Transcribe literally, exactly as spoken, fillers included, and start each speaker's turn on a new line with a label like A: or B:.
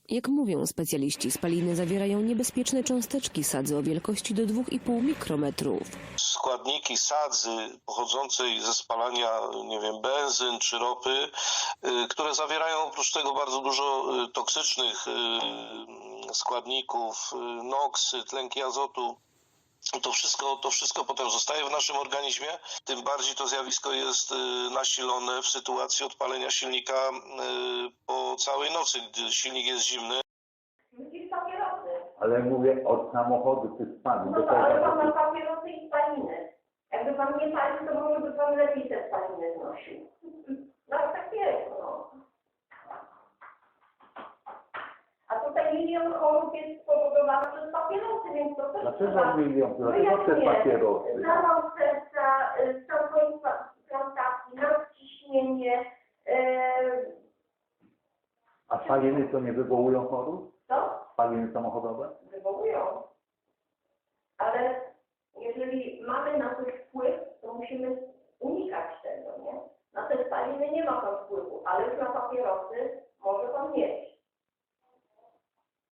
A: Jak mówią specjaliści, spaliny zawierają niebezpieczne cząsteczki sadzy o wielkości do dwóch i pół mikrometrów.
B: Składniki sadzy pochodzącej ze spalania, nie wiem, benzyn czy ropy, które zawierają oprócz tego bardzo dużo toksycznych składników, noksy, tlenki azotu. To wszystko, to wszystko potem zostaje w naszym organizmie, tym bardziej to zjawisko jest nasilone w sytuacji odpalenia silnika po całej nocy, gdy silnik jest zimny.
C: Ale mówię od samochodu czy spalin.
D: No to, ale pan ma papierosy i spaliny. Jakby pan nie palił, to może by pan lepiej te spaliny znosił. No tak jest, no. A tutaj milion chorób jest spowodowanych przez papierosy, więc to też
C: Dlaczego
D: trzeba...
C: milion?
D: No
C: Dlaczego te
D: jak nie?
C: papierosy?
D: Zawał serca, stan transplantacji, nadciśnienie, yy...
C: A spaliny to nie wywołują chorób?
D: co?
C: Spaliny samochodowe?
D: Wywołują. Ale jeżeli mamy na